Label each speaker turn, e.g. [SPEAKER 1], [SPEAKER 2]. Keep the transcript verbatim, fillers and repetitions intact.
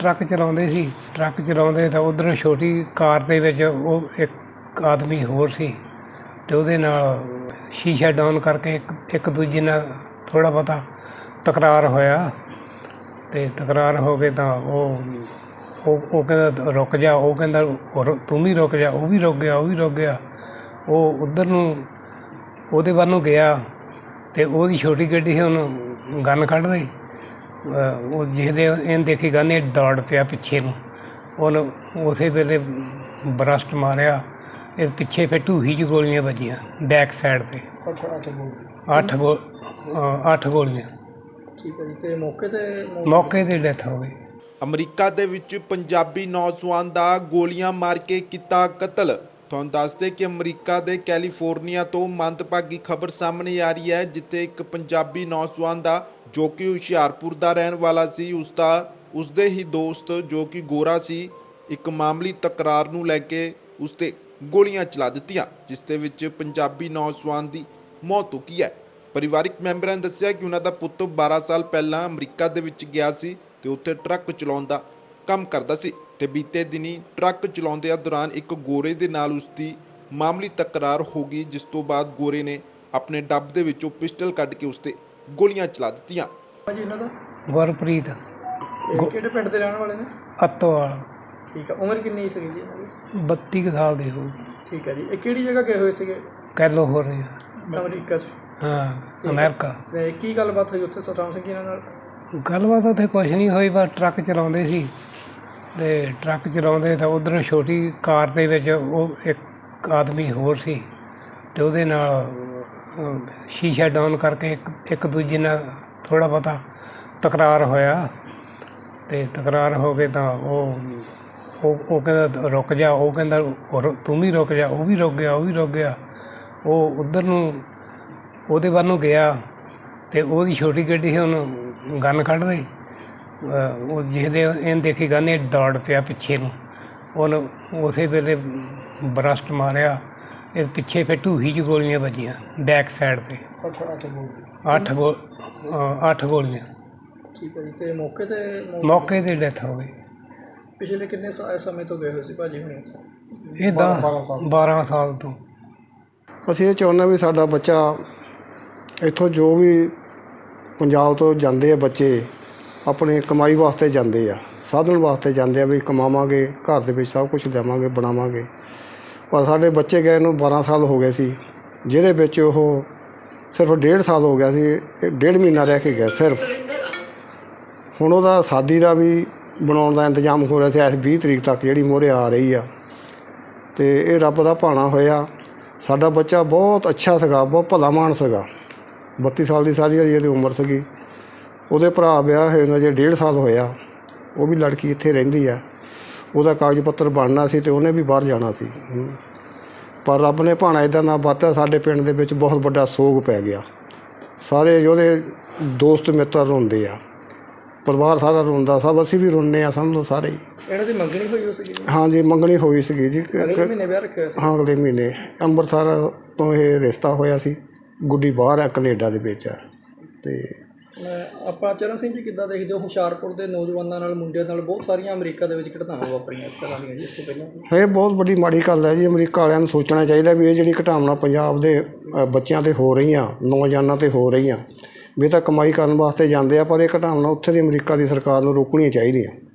[SPEAKER 1] Truck ਚਲਾਉਂਦੇ ਸੀ। Truck ਚਲਾਉਂਦੇ ਤਾਂ ਉੱਧਰੋਂ ਛੋਟੀ ਕਾਰ ਦੇ ਵਿੱਚ ਉਹ ਇੱਕ ਆਦਮੀ ਹੋਰ ਸੀ ਅਤੇ ਉਹਦੇ ਨਾਲ ਸ਼ੀਸ਼ਾ ਡਾਊਨ ਕਰਕੇ ਇੱਕ ਇੱਕ ਦੂਜੇ ਨਾਲ ਥੋੜ੍ਹਾ ਬਹੁਤਾ ਤਕਰਾਰ ਹੋਇਆ ਅਤੇ ਤਕਰਾਰ ਹੋ ਕੇ ਤਾਂ ਉਹ ਉਹ ਉਹ ਕਹਿੰਦਾ ਰੁਕ ਜਾ, ਉਹ ਕਹਿੰਦਾ ਰੁ- ਤੂੰ ਵੀ ਰੁਕ ਜਾ, ਉਹ ਵੀ ਰੁਕ ਗਿਆ ਉਹ ਵੀ ਰੁਕ ਗਿਆ। ਉਹ ਉੱਧਰ ਨੂੰ ਉਹਦੇ ਵੱਲ ਨੂੰ ਗਿਆ ਅਤੇ ਉਹਦੀ ਛੋਟੀ ਗੱਡੀ ਸੀ, ਉਹਨੂੰ ਗਨ ਕੱਢ ਰਹੀ। ਉਹ ਜਿਹਦੇ ਇਹਨੇ ਦੇਖੀ ਗਨ, ਇਹ ਦੌੜ ਪਿਆ ਪਿੱਛੇ ਨੂੰ। ਉਹਨੂੰ ਉਸੇ ਵੇਲੇ ਬਰਸਟ ਮਾਰਿਆ। ਇਹ ਪਿੱਛੇ ਫਿਰ ਢੂਹੀ 'ਚ ਗੋਲੀਆਂ ਵੱਜੀਆਂ ਬੈਕ ਸਾਈਡ 'ਤੇ।
[SPEAKER 2] ਅੱਠ ਅੱਠ ਗੋਲੀ
[SPEAKER 1] ਅੱਠ ਗੋ ਅ, ਅੱਠ ਗੋਲੀਆਂ।
[SPEAKER 2] ਠੀਕ ਹੈ ਜੀ। ਅਤੇ ਮੌਕੇ 'ਤੇ ਮੌਤ-
[SPEAKER 1] ਮੌਕੇ 'ਤੇ ਡੈਥ ਹੋ ਗਈ।
[SPEAKER 3] ਅਮਰੀਕਾ ਦੇ ਵਿੱਚ ਪੰਜਾਬੀ ਨੌਜਵਾਨ ਦਾ ਗੋਲੀਆਂ ਮਾਰ ਕੇ ਕੀਤਾ ਕਤਲ। ਤੁਹਾਨੂੰ ਦੱਸਦੇ ਕਿ ਅਮਰੀਕਾ ਦੇ ਕੈਲੀਫੋਰਨੀਆ ਤੋਂ ਮੰਦਭਾਗੀ ਖਬਰ ਸਾਹਮਣੇ ਆ ਰਹੀ ਹੈ, ਜਿੱਥੇ ਇੱਕ ਪੰਜਾਬੀ ਨੌਜਵਾਨ ਦਾ ਜੋ ਕਿ ਹੁਸ਼ਿਆਰਪੁਰ ਦਾ ਰਹਿਣ ਵਾਲਾ ਸੀ, ਉਸ ਦਾ ਉਸਦੇ ਹੀ ਦੋਸਤ ਜੋ ਕਿ ਗੋਰਾ ਸੀ, ਇੱਕ ਮਾਮੂਲੀ ਤਕਰਾਰ ਨੂੰ ਲੈ ਕੇ ਉਸ 'ਤੇ ਗੋਲੀਆਂ ਚਲਾ ਦਿੱਤੀਆਂ, ਜਿਸ ਦੇ ਵਿੱਚ ਪੰਜਾਬੀ ਨੌਜਵਾਨ ਦੀ ਮੌਤ ਹੋ ਗਈ ਹੈ। ਪਰਿਵਾਰਿਕ ਮੈਂਬਰਾਂ ਨੇ ਦੱਸਿਆ ਕਿ ਉਹਨਾਂ ਦਾ ਪੁੱਤ ਬਾਰਾਂ ਸਾਲ ਪਹਿਲਾਂ ਅਮਰੀਕਾ ਦੇ ਵਿੱਚ ਗਿਆ ਸੀ ਤੇ ਉੱਥੇ ਟਰੱਕ ਚਲਾਉਣ ਦਾ ਕੰਮ ਕਰਦਾ ਸੀ ਤੇ ਬੀਤੇ ਦਿਨੀ ਟਰੱਕ ਚਲਾਉਂਦਿਆਂ ਦੌਰਾਨ ਇੱਕ ਗੋਰੇ ਦੇ ਨਾਲ ਉਸ ਦੀ ਮਾਮੂਲੀ ਤਕਰਾਰ ਹੋ ਗਈ, ਜਿਸ ਤੋਂ ਬਾਅਦ ਗੋਰੇ ਨੇ ਆਪਣੇ ਡੱਬ ਦੇ ਵਿੱਚੋਂ ਪਿਸਟਲ ਕੱਢ ਕੇ ਉਸ 'ਤੇ ਗੋਲੀਆਂ ਚਲਾ ਦਿੱਤੀਆਂ।
[SPEAKER 2] ਜੀ ਇਹਨਾਂ ਦਾ
[SPEAKER 1] ਗੁਰਪ੍ਰੀਤ
[SPEAKER 2] ਇਹ ਕਿਹੜੇ ਪਿੰਡ ਦੇ ਰਹਿਣ ਵਾਲੇ ਨੇ?
[SPEAKER 1] ਅੱਤੋਵਾਲ,
[SPEAKER 2] ਠੀਕ ਹੈ। ਉਮਰ ਕਿੰਨੀ ਸੀਗੀ ਜੀ ਇਹਨਾਂ ਦੀ?
[SPEAKER 1] ਬੱਤੀ ਕੁ ਸਾਲ ਦੀ ਹੋਊ।
[SPEAKER 2] ਠੀਕ ਹੈ ਜੀ। ਇਹ ਕਿਹੜੀ ਜਗ੍ਹਾ ਗਏ ਹੋਏ ਸੀਗੇ?
[SPEAKER 1] ਕੈਲੋ ਹੋ ਰਹੀ
[SPEAKER 2] ਅਮਰੀਕਾ 'ਚ।
[SPEAKER 1] ਹਾਂ, ਅਮਰੀਕਾ।
[SPEAKER 2] ਅਤੇ ਕੀ ਗੱਲਬਾਤ ਹੋਈ ਉੱਥੇ ਸਤਨਾਮ ਸਿੰਘ ਇਹਨਾਂ ਨਾਲ?
[SPEAKER 1] ਗੱਲਬਾਤ ਉੱਥੇ ਕੁਛ ਨਹੀਂ ਹੋਈ, ਬਸ ਟਰੱਕ ਚਲਾਉਂਦੇ ਸੀ ਅਤੇ ਟਰੱਕ ਚਲਾਉਂਦੇ ਤਾਂ ਉੱਧਰੋਂ ਛੋਟੀ ਕਾਰ ਦੇ ਵਿੱਚ ਉਹ ਇੱਕ ਆਦਮੀ ਹੋਰ ਸੀ ਅਤੇ ਉਹਦੇ ਨਾਲ ਅ, ਸ਼ੀਸ਼ਾ ਡਾਊਨ ਕਰਕੇ ਇੱਕ ਇੱਕ ਦੂਜੇ ਨਾਲ ਥੋੜ੍ਹਾ ਬਹੁਤਾ ਤਕਰਾਰ ਹੋਇਆ ਅਤੇ ਤਕਰਾਰ ਹੋ ਕੇ ਤਾਂ ਉਹ ਉਹ ਉਹ ਕਹਿੰਦਾ ਰੁਕ ਜਾ, ਉਹ ਕਹਿੰਦਾ ਰੁ- ਤੂੰ ਵੀ ਰੁਕ ਜਾ, ਉਹ ਵੀ ਰੁਕ ਗਿਆ ਉਹ ਵੀ ਰੁਕ ਗਿਆ। ਉਹ ਉੱਧਰ ਨੂੰ ਉਹਦੇ ਵੱਲ ਨੂੰ ਗਿਆ ਅਤੇ ਉਹਦੀ ਛੋਟੀ ਗੱਡੀ ਸੀ, ਉਹਨੂੰ ਗਨ ਕੱਢ ਰਹੀ। ਅ, ਉਹ ਜਿਹਦੇ ਇਹਨੇ ਦੇਖੀ ਗਨ, ਇਹ ਦੌੜ ਪਿਆ ਪਿੱਛੇ ਨੂੰ। ਉਹਨੂੰ ਉਸੇ ਵੇਲੇ ਬਰਸਟ ਮਾਰਿਆ। ਇਹ ਪਿੱਛੇ ਫਿਰ ਢੂਹੀ 'ਚ ਗੋਲੀਆਂ ਵੱਜੀਆਂ ਬੈਕ ਸਾਈਡ 'ਤੇ।
[SPEAKER 2] ਅੱਠ ਅੱਠ ਗੋਲੀ
[SPEAKER 1] ਅੱਠ ਗੋ ਅ, ਅੱਠ ਗੋਲੀਆਂ।
[SPEAKER 2] ਠੀਕ ਹੈ ਜੀ। ਅਤੇ ਮੌਕੇ 'ਤੇ ਮੌਤ-
[SPEAKER 1] ਮੌਕੇ 'ਤੇ ਡੈਥ ਹੋ ਗਈ।
[SPEAKER 2] ਪਿਛਲੇ ਕਿੰਨੇ ਸਾ- ਸਮੇਂ ਤੋਂ ਗਏ ਹੋਏ ਸੀ ਭਾਜੀ ਹੁਣੀ ਉੱਥੇ?
[SPEAKER 1] ਇਹ ਦਸ ਬਾਰਾਂ ਸਾਲ ਤੋਂ।
[SPEAKER 4] ਅਸੀਂ ਇਹ ਚਾਹੁੰਦੇ ਵੀ ਸਾਡਾ ਬੱਚਾ ਇੱਥੋਂ ਜੋ ਵੀ ਪੰਜਾਬ ਤੋਂ ਜਾਂਦੇ ਆ ਬੱਚੇ, ਆਪਣੇ ਕਮਾਈ ਵਾਸਤੇ ਜਾਂਦੇ ਆ, ਸਾਧਨ ਵਾਸਤੇ ਜਾਂਦੇ ਆ ਵੀ ਕਮਾਵਾਂਗੇ, ਘਰ ਦੇ ਵਿੱਚ ਸਭ ਕੁਝ ਦੇਵਾਂਗੇ, ਬਣਾਵਾਂਗੇ। ਪਰ ਸਾਡੇ ਬੱਚੇ ਗਏ ਨੂੰ ਬਾਰਾਂ ਸਾਲ ਹੋ ਗਏ ਸੀ, ਜਿਹਦੇ ਵਿੱਚ ਉਹ ਸਿਰਫ ਡੇਢ ਸਾਲ ਹੋ ਗਿਆ ਸੀ, ਇਹ ਡੇਢ ਮਹੀਨਾ ਰਹਿ ਕੇ ਗਿਆ ਸਿਰਫ। ਹੁਣ ਉਹਦਾ ਸ਼ਾਦੀ ਦਾ ਵੀ ਬਣਾਉਣ ਦਾ ਇੰਤਜ਼ਾਮ ਹੋ ਰਿਹਾ ਸੀ ਇਸ ਵੀਹ ਤਰੀਕ ਤੱਕ, ਜਿਹੜੀ ਮੂਹਰੇ ਆ ਰਹੀ ਆ। ਅਤੇ ਇਹ ਰੱਬ ਦਾ ਭਾਣਾ ਹੋਇਆ। ਸਾਡਾ ਬੱਚਾ ਬਹੁਤ ਅੱਛਾ ਸੀਗਾ, ਬਹੁਤ ਭਲਾ ਮਾਨਸ ਸੀਗਾ। ਬੱਤੀ ਸਾਲ ਦੀ ਸਾਰੀ ਇਹਦੀ ਉਮਰ ਸੀਗੀ। ਉਹਦੇ ਭਰਾ ਵਿਆਹ ਹੋਏ ਨੂੰ ਅਜੇ ਡੇਢ ਸਾਲ ਹੋਇਆ। ਉਹ ਵੀ ਲੜਕੀ ਇੱਥੇ ਰਹਿੰਦੀ ਆ। ਉਹਦਾ ਕਾਗਜ਼ ਪੱਤਰ ਬਣਨਾ ਸੀ ਅਤੇ ਉਹਨੇ ਵੀ ਬਾਹਰ ਜਾਣਾ ਸੀ, ਪਰ ਰੱਬ ਨੇ ਭਾਣਾ ਇੱਦਾਂ ਦਾ ਵਰਤਿਆ, ਸਾਡੇ ਪਿੰਡ ਦੇ ਵਿੱਚ ਬਹੁਤ ਵੱਡਾ ਸੋਗ ਪੈ ਗਿਆ। ਸਾਰੇ ਉਹਦੇ ਦੋਸਤ ਮਿੱਤਰ ਰੋਂਦੇ ਆ, ਪਰਿਵਾਰ ਸਾਰਾ ਰੋਂਦਾ, ਸਭ ਅਸੀਂ ਵੀ ਰੋਂਦੇ ਹਾਂ, ਸਮਝ ਲਓ ਸਾਰੇ ਹੀ।
[SPEAKER 2] ਇਹਨਾਂ ਦੀ ਮੰਗਣੀ ਹੋਈ ਹੋ ਸੀਗੀ?
[SPEAKER 4] ਹਾਂਜੀ, ਮੰਗਣੀ ਹੋਈ ਸੀਗੀ ਜੀ।
[SPEAKER 2] ਅਗਲੇ ਮਹੀਨੇ ਵਿਆਹ ਰੱਖਿਆ ਹੋਇਆ ਸੀ?
[SPEAKER 4] ਹਾਂ, ਅਗਲੇ ਮਹੀਨੇ ਅੰਮ੍ਰਿਤਸਰ ਤੋਂ ਇਹ ਰਿਸ਼ਤਾ ਹੋਇਆ ਸੀ। ਗੁੱਡੀ ਬਾਹਰ ਆ, ਕੈਨੇਡਾ ਦੇ ਵਿੱਚ ਆ। ਅਤੇ
[SPEAKER 2] ਮੈਂ ਆਪਾਂ ਚਰਨ ਸਿੰਘ ਜੀ ਕਿੱਦਾਂ ਦੇਖਦੇ ਹੋ ਹੁਸ਼ਿਆਰਪੁਰ ਦੇ ਨੌਜਵਾਨਾਂ ਨਾਲ, ਮੁੰਡਿਆਂ ਨਾਲ ਬਹੁਤ ਸਾਰੀਆਂ ਅਮਰੀਕਾ ਦੇ ਵਿੱਚ ਘਟਨਾਵਾਂ ਵਾਪਰੀਆਂ ਇਸ ਤਰ੍ਹਾਂ ਦੀਆਂ ਜੀ ਇਸ ਤੋਂ ਪਹਿਲਾਂ?
[SPEAKER 4] ਇਹ ਬਹੁਤ ਵੱਡੀ ਮਾੜੀ ਗੱਲ ਹੈ ਜੀ। ਅਮਰੀਕਾ ਵਾਲਿਆਂ ਨੂੰ ਸੋਚਣਾ ਚਾਹੀਦਾ ਵੀ ਇਹ ਜਿਹੜੀ ਘਟਨਾਵਾਂ ਪੰਜਾਬ ਦੇ ਅ, ਬੱਚਿਆਂ 'ਤੇ ਹੋ ਰਹੀਆਂ, ਨੌਜਵਾਨਾਂ 'ਤੇ ਹੋ ਰਹੀਆਂ, ਵੀ ਇਹ ਤਾਂ ਕਮਾਈ ਕਰਨ ਵਾਸਤੇ ਜਾਂਦੇ ਆ, ਪਰ ਇਹ ਘਟਨਾਵਾਂ ਉੱਥੇ ਦੀ ਅਮਰੀਕਾ ਦੀ ਸਰਕਾਰ ਨੂੰ ਰੋਕਣੀਆਂ ਚਾਹੀਦੀਆਂ।